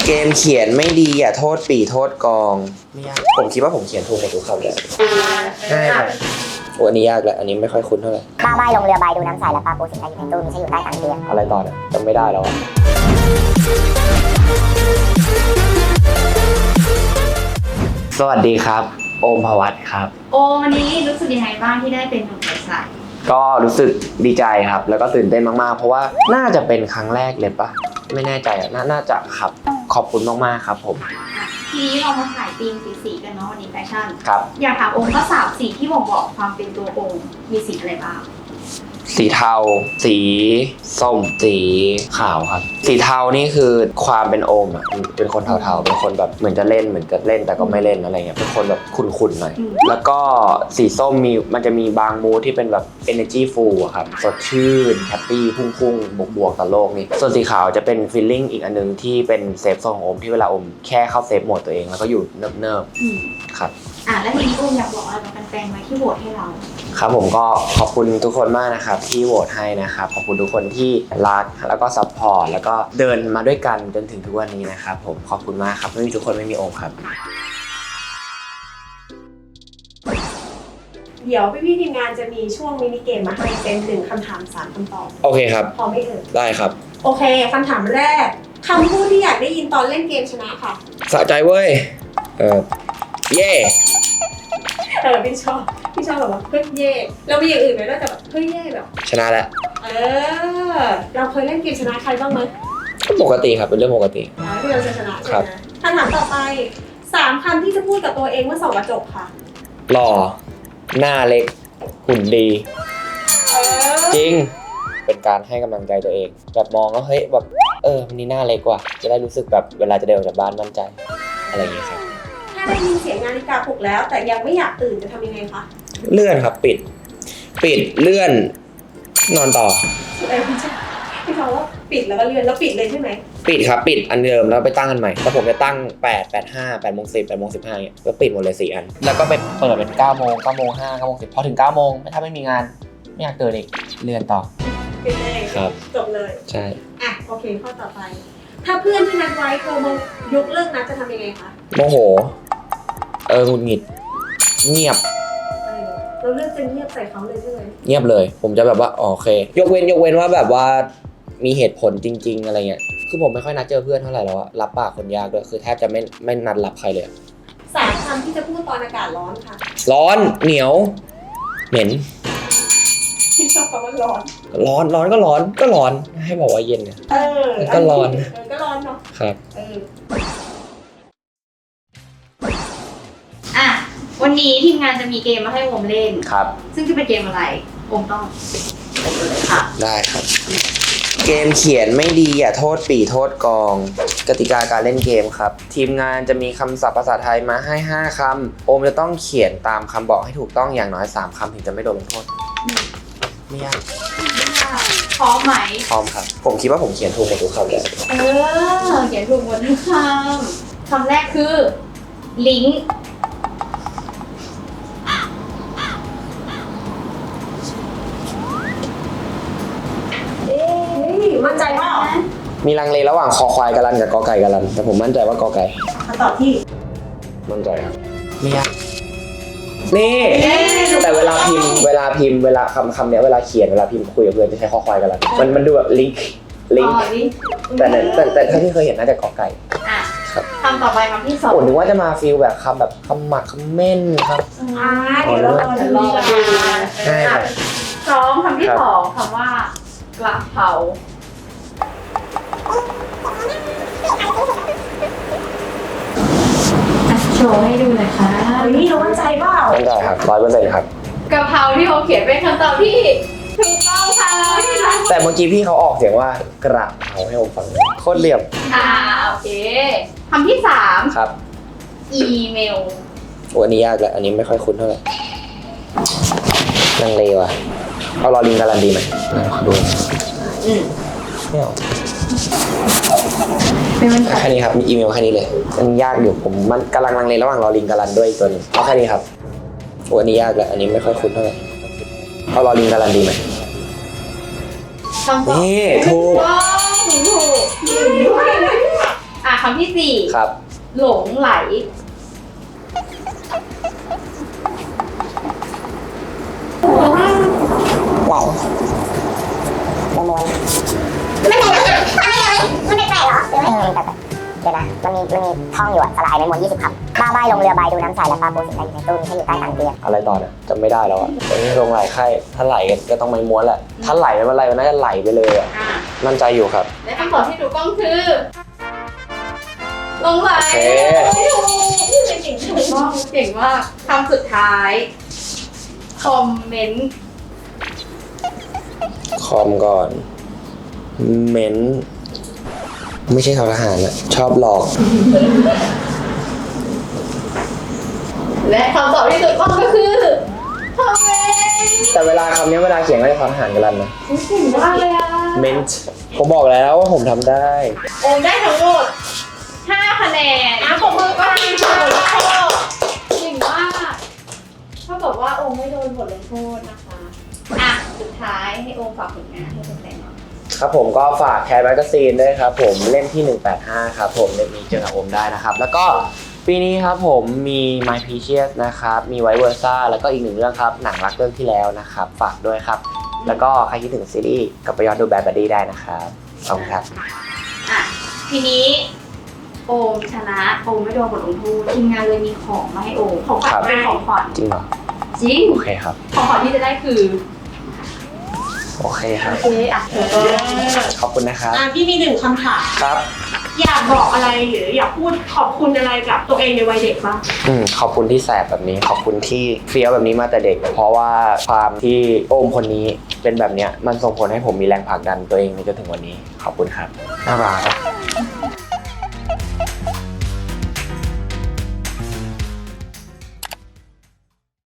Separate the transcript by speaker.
Speaker 1: เกมเขียนไม่ดีอย่าโทษปีโทษกองไม่ยากผมคิดว่าผมเขียนถูกหมดทุกคำเลยง่ายไปอันนี้ยากแหละอันนี้ไม่ค่อยคุ้นเท่าไหร่
Speaker 2: บ้าใบลงเรือใบดูน้ำใสและปลาปูสินค้าอยู่ในตู้มีใช้อยู่ใต้ตังเตียง
Speaker 1: อะไรต่อเนี่ยจำไม่ได้แล้วสวัสดีครับโอมภวัตครับ
Speaker 3: โอวันนี้รู้สึกยังไงบ้างที่ได้เป็นหนุ่มใส
Speaker 1: ก็รู้สึกดีใจครับแล้วก็ตื่นเต้นมากๆเพราะว่าน่าจะเป็นครั้งแรกเลยปะไม่แน่ใจอ่ะน่าจะครับขอบคุณมากๆครับผม
Speaker 3: ทีนี้เรามาถ่ายธีมสีกันเนาะวันนี้แฟชั่น
Speaker 1: ครับ
Speaker 3: อยากถามองค์ก็สามสีที่บ่งบอกความเป็นตัวองค์มีสีอะไรบ้าง
Speaker 1: สีเทาสีส้มสีขาวครับสีเทานี่คือความเป็นโอมอ่ะเป็นคนเทาๆเป็นคนแบบเหมือนจะเล่นเหมือนจะเล่นแต่ก็ไม่เล่นอะไรเงี้ยเป็นคนแบบขุ่นๆหน่อยแล้วก็สีส้มมันจะมีบางมูดที่เป็นแบบ energy full อะครับสดชื่นแฮปปี้พุ่งๆบวกๆต่อโลกนี่ส่วนสีขาวจะเป็น feeling อีกอันนึงที่เป็นเซฟโซนของโอมที่เวลาโอมแค่เข้าเซฟโหมดตัวเองแล้วก็อยู่เนิบๆครับ
Speaker 3: แล้วทีนี้องค์อยากบอกอะไรกับแฟนๆไหมที่โหวตให้เรา
Speaker 1: ครับผมก็ขอบคุณทุกคนมากนะครับที่โหวตให้นะครับขอบคุณทุกคนที่รักแล้วก็ซัพพอร์ตแล้วก็เดินมาด้วยกันจนถึงทุกวันนี้นะครับผมขอบคุณมากครับไม่มีทุกคนไม่มีโอมครับ
Speaker 4: เดี๋ยวพี่ทีมงานจะมีช่วงมินิเกมมาให้เป็น1 คำถาม 3 คำตอบ
Speaker 1: โอเคครับ
Speaker 4: พร้อมไหมเอ่ย
Speaker 1: ได้ครับ
Speaker 4: โอเคคำถามแรกคำพูดที่อยากได้ยินตอนเล่นเกมชนะค่ะ
Speaker 1: สะใจเว้ยเย่
Speaker 4: พี่ชอบแบบว่าเฮ้ยเย่เรามีอย่างอื่นไหมนอกจากแบบเฮ้ยเย่แบบ
Speaker 1: ชนะแล้ว
Speaker 4: เราเคยเล่นเกมชนะใครบ้างไหม
Speaker 1: ปกติครับเป็นเรื่องปกติ
Speaker 4: ที่เราจะชนะใช่ไหมคำถามต่อไป3 คำที่จะพูดกับตัวเองเมื่อส่องกระจกค่ะ
Speaker 1: หล่อหน้าเล็กหุ่นดีจริงเป็นการให้กำลังใจตัวเองแบบมองแล้วเฮ้ยแบบวันนี้หน้าเล็กว่ะจะได้รู้สึกแบบเวลาจะเดินออกจากบ้านมั่นใจอะไรอย่างเงี้ยครับ
Speaker 4: ถ้าได้ยินเสียงนาฬิกาปลุกแล้วแต่ยังไม่อยากตื่นจะทำยังไงคะ
Speaker 1: เลื่อนครับปิดเลื่อนนอนต่อ
Speaker 4: พี่เขาว่าปิดแล้วก็เลื่อนแล้วปิดเลยใช่ไหม
Speaker 1: ปิดครับปิดอันเดิมแล้วไปตั้งอันใหม่แล้วผมจะตั้ง8 8 5 8 โมง 10 8 โมง 15เนี่ยก็ปิดหมดเลย4 อันแล้วก็ไปเปิดเป็น9 โมง 9 โมง 5 9 โมง 10พอถึง9 โมงถ้าไม่มีงานไม่อยากตื่นอีกเลื่อนต่อ
Speaker 4: ปิดเลย
Speaker 1: ครับ
Speaker 4: จบเลย
Speaker 1: ใช่
Speaker 4: โอเคข้อต่อไปถ้าเพื่อนที่นัดไว้โทรมายกเลิกนัดจะทำยังไงคะ
Speaker 1: โมโหหงุดหงิดเงียบ
Speaker 4: เราเลือกจะเงียบใส่เขาเลยใช่ไหม
Speaker 1: เงียบเลยผมจะแบบว่าโอเคยกเว้นว่าแบบว่ามีเหตุผลจริงๆอะไรเงี้ยคือผมไม่ค่อยนัดเจอเพื่อนเท่าไหร่แล้วอะรับปากคนยากด้วยคือแทบจะไม่นัดรับใครเลย
Speaker 4: 3 คำที่จะพูดตอนอากาศร้อนค่ะ
Speaker 1: ร้อนเหนียวเหม็น
Speaker 4: ที่ชอบคำว่าร้อน
Speaker 1: ก็ร้อนให้บอกว่าเย็นเนี่ยก็ร้อน
Speaker 4: ก็ร้อนเนาะ
Speaker 1: ครับ
Speaker 3: วันนี้ทีมงานจะมีเกมมาให้โอมเล่น
Speaker 1: ครับ
Speaker 3: ซึ่งจะเป็นเกมอะไรโอมต้องค่ะ
Speaker 1: ได้ครับเกมเขียนไม่ดีอย่าโทษปีโทษกองกติกาการเล่นเกมครับทีมงานจะมีคำศัพท์ภาษาไทยมาให้5 คำโอมจะต้องเขียนตามคำบอกให้ถูกต้องอย่างน้อย3 คำถึงจะไม่โดนลงโทษไม่ยาก
Speaker 3: พร้อมไหม
Speaker 1: พร้อมครับผมคิดว่าผมเขียนถูกหมดทุกคำเลย
Speaker 3: เขียนถูกหมดทุกคำแรกคือลิงก์
Speaker 4: มั่นใจว่า
Speaker 1: มีลังเลระหว่างคอควายกะลันกับกอไก่กะลันแต่ผมมั่นใจว่ากอไก่
Speaker 4: คำตอบที่
Speaker 1: มั่นใจครับไม่ยากนี่แต่เวลาพิมพ์เวลาคำเนี้ยเวลาเขียนเวลาพิมพ์คุยกับเพื่อนจะใช้คอควายกะลันมันดูแบบลิงก์แต่ถ้าที่เคยเห็นน่าจะกอไก่
Speaker 3: คำต่อไปคำที่2
Speaker 1: ผมนึกว่าจะมาฟีลแบบคำแบบคำหมักคำเม่นครับ
Speaker 4: เดี๋ยวเราจะรอดู
Speaker 3: คำที่2คำว่ากระเพราโชว์ให้ดูหน่อยค่ะ
Speaker 4: นี่เรามั่นใจเปล่า
Speaker 1: มั่นใจครับ100%ครับ
Speaker 3: กระเพราที่เขาเขียนเป็นคำตอบที่ถูกต้องค่ะ
Speaker 1: แต่เมื่อกี้พี่เขาออกเสียงว่ากระเพราให้ผมฟังโคตรเหลี่ยม
Speaker 3: โอเคคำที่3
Speaker 1: ครับ
Speaker 3: อีเมล
Speaker 1: อันนี้ยากแล้วอันนี้ไม่ค่อยคุ้นเท่าไหร่ลังเลว่ะเอารอลิงการันดีไหมขอดูไม่เอาแค่นี้ครับมีอีเมลแค่นี้เลยมันยากอยู่ผมมันกำลังลังเลระหว่างรอลิงการันด้วยอีกตัวนึงเอาแค่นี้ครับอันนี้ยากแล้วอันนี้ไม่ค่อยคุ้นเท่าไหร่เอารอลิงการันดีไหมนี่ถูก
Speaker 3: คำที่สี่
Speaker 1: ครับ
Speaker 3: หลงไหล
Speaker 2: ไหลประมวลไม่ไหลหรอมันแปลกเหรอหรือไม่แปลกเดี๋ยวนะมันมีท่องอยู่อะสลายในมวล20 คำบ้าใบลงเรือใบดูน้ำใสและปลาปูสิ่งใดอยู่ในตู้มีแค่อยู่ใต้ตังเตียง
Speaker 1: อะไรต่อเนี่ยจำไม่ได้แล้วอะตอนนี้ลงไหลไข่ถ้าไหลก็ต้องไม่ม้วนแหละถ้าไหลไม่เป็นไรมันน่าจะไหลไปเลยอะมั่นใจอยู่ครับ
Speaker 3: และคำตอบที่ถูกต้องคือหลงไหล
Speaker 1: โอเค
Speaker 3: ถูกต้องเก่งมากคำสุดท้ายคอมเมนต์
Speaker 1: คอมก่อนเม้นไม่ใช่ททหารอะชอบหลอก
Speaker 3: และคำตอบที่ถูกต้องก็คือคอมเมนต์
Speaker 1: แต่เวลาคำนี้เวลาเขียนก็จะททหารกันแล้วนะ
Speaker 3: เก่งมากเลยอ่ะ
Speaker 1: เมนต์ผมบอกแล้วว่าผมทำได้
Speaker 3: โอมได้ทั้งหมด5 คะแนนปรบมือก็ทีมถูกลงโทษเก่งมากเท่ากับว่าโอมไม่โดนบทลงโทษนะคะสุดท้ายให้โอมฝากผลงานให้แฟนๆหน่อย
Speaker 1: ครับผมก็ฝากแคร์แมกกาซีนด้วยครับผมเล่มที่ 185 ครับผมเล่มนี้เจอกับโอมได้นะครับ แล้วก็ปีนี้ครับผมมี My Precious นะครับมีไวเวอร์ซ่าแล้วก็อีกหนึ่งเรื่องครับหนังรักเรื่องที่แล้วนะครับฝากด้วยครับ แล้วก็ใครคิดถึงซีรีส์กลับไปย้อนดูแบดบัดดี้ได้นะครับขอบคุณครับ
Speaker 3: ทีนี้โอมชนะโอมไม่โดนบทลงโทษทีมงานเลยมีของมาให้โอมของขวัญ
Speaker 1: ครับ
Speaker 3: เป็นของขวัญ
Speaker 1: จริงเหรอ
Speaker 3: จริง
Speaker 1: โอเคครับ
Speaker 3: ของขวัญที่จะได้คือ
Speaker 1: โอเคครับ
Speaker 3: โอเค
Speaker 1: ขอบคุณนะครับ
Speaker 4: พี่มี1 คำถาม
Speaker 1: ครับ
Speaker 4: อยากบอกอะไรหรืออยากพูดขอบคุณอะไรกับตัวเองในวัยเด็กบ้าง
Speaker 1: ขอบคุณที่แสบแบบนี้ ขอบคุณที่เฟี้ยวแบบนี้มาแต่เด็ก เพราะว่าความที่โอมคนนี้เป็นแบบเนี้ยมันส่งผลให้ผมมีแรงผลักดันตัวเองในจนถึงวันนี้ ขอบคุณครับน่ารักครับ